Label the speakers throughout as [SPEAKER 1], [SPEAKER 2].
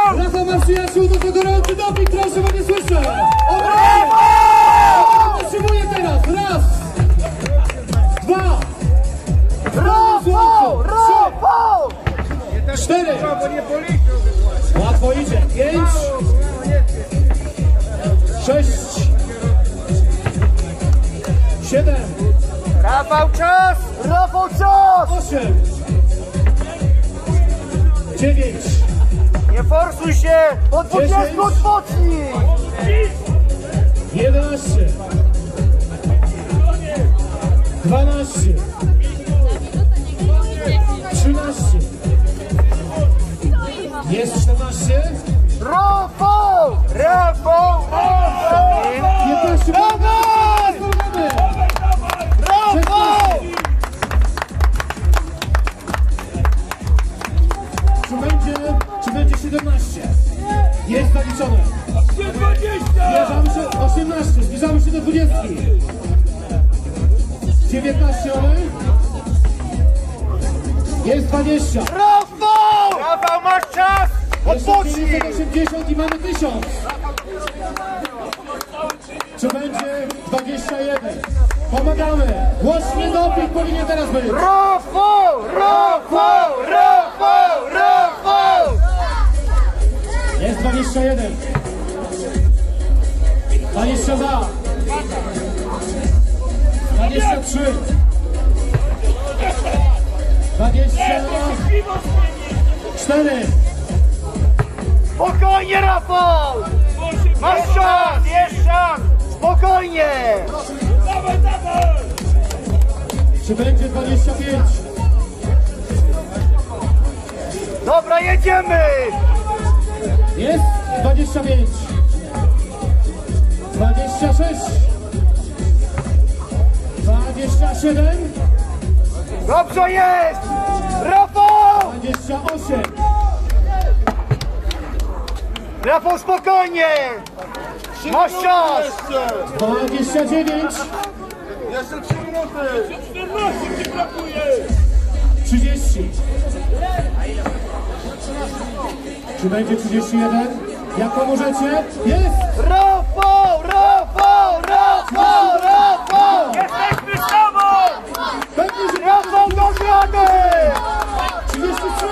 [SPEAKER 1] Rafał ma przyjaciół, to gorący doping, proszę, bo nie słyszę! Potrzebuję teraz! Raz! Dwa!
[SPEAKER 2] Rafał! Rafał!
[SPEAKER 1] 4! Łatwo idzie! 5! 6! 7!
[SPEAKER 2] Rafał, czas! Rafał, czas!
[SPEAKER 1] 8! 9!
[SPEAKER 2] Nie forsuj się! Po 20 odpocznij!
[SPEAKER 1] 11! 12! 13! Jest 14!
[SPEAKER 2] Rafał! Rafał!
[SPEAKER 1] 15!
[SPEAKER 2] Dawaj! Rafał!
[SPEAKER 1] Czy będzie 17? Jest zaliczone. Zbliżamy się 18, zbliżamy się do 20. 19 one. Jest 20.
[SPEAKER 2] Rafał! Rafał, masz czas! Odpocznij!
[SPEAKER 1] 80 i mamy 1000. Czy będzie 21? Pomagamy. Głośny doping powinien teraz być.
[SPEAKER 2] Rafał! Rafał! Rafał! Rafał!
[SPEAKER 1] Jest 21. 22. 23. 24.
[SPEAKER 2] Spokojnie, Rafał! Masz czas! Jest czas! Spokojnie! Dawaj, dawaj!
[SPEAKER 1] Czy będzie 25?
[SPEAKER 2] Dobra, jedziemy!
[SPEAKER 1] Jest 25. 26. 27.
[SPEAKER 2] Dobrze jest! Rafał!
[SPEAKER 1] 28.
[SPEAKER 2] Rafał, spokojnie! Masz czas!
[SPEAKER 1] 29.
[SPEAKER 2] Jeszcze 3 minuty!
[SPEAKER 3] 14 ci brakuje!
[SPEAKER 1] 30. Czy będzie 31? Jak pomożecie? Jest!
[SPEAKER 2] Rafał! Rafał! Rafał! Rafał! Jesteśmy z tobą!
[SPEAKER 1] Pewnie, że
[SPEAKER 2] Rafał, do rady!
[SPEAKER 1] 33.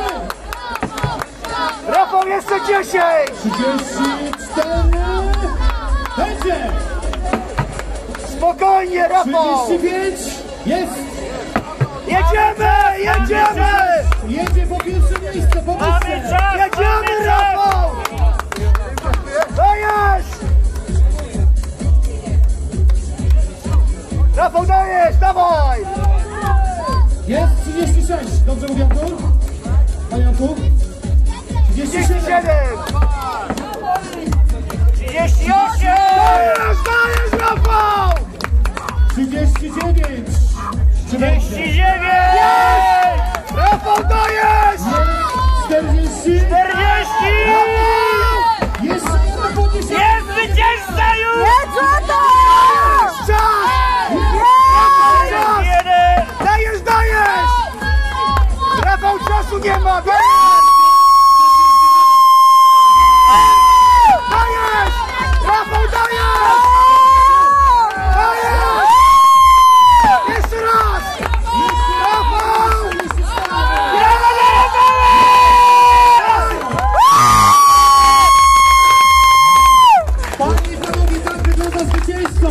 [SPEAKER 2] Rafał, jeszcze 10!
[SPEAKER 1] 34. Będzie!
[SPEAKER 2] Spokojnie, Rafał!
[SPEAKER 1] 35. Jest!
[SPEAKER 2] Jedziemy! Jedziemy!
[SPEAKER 1] Jedzie po pierwsze miejsce, pomóżcie!
[SPEAKER 2] Jedziemy, Rafał! Dajesz! Rafał, dajesz! Dawaj!
[SPEAKER 1] Jest 36. Dobrze mówię, Artur? Panie Artur? 37.
[SPEAKER 2] 38! Dajesz! Dajesz, Rafał!
[SPEAKER 1] 39. Czy będzie?
[SPEAKER 2] 39! Rafał, dajesz!
[SPEAKER 1] 40.
[SPEAKER 2] 40!
[SPEAKER 1] Jeszcze jedno podniesienie.
[SPEAKER 2] Jest zwycięzca już! Jest to! Czas! Dajesz! Dajesz! Rafał, czasu nie ma!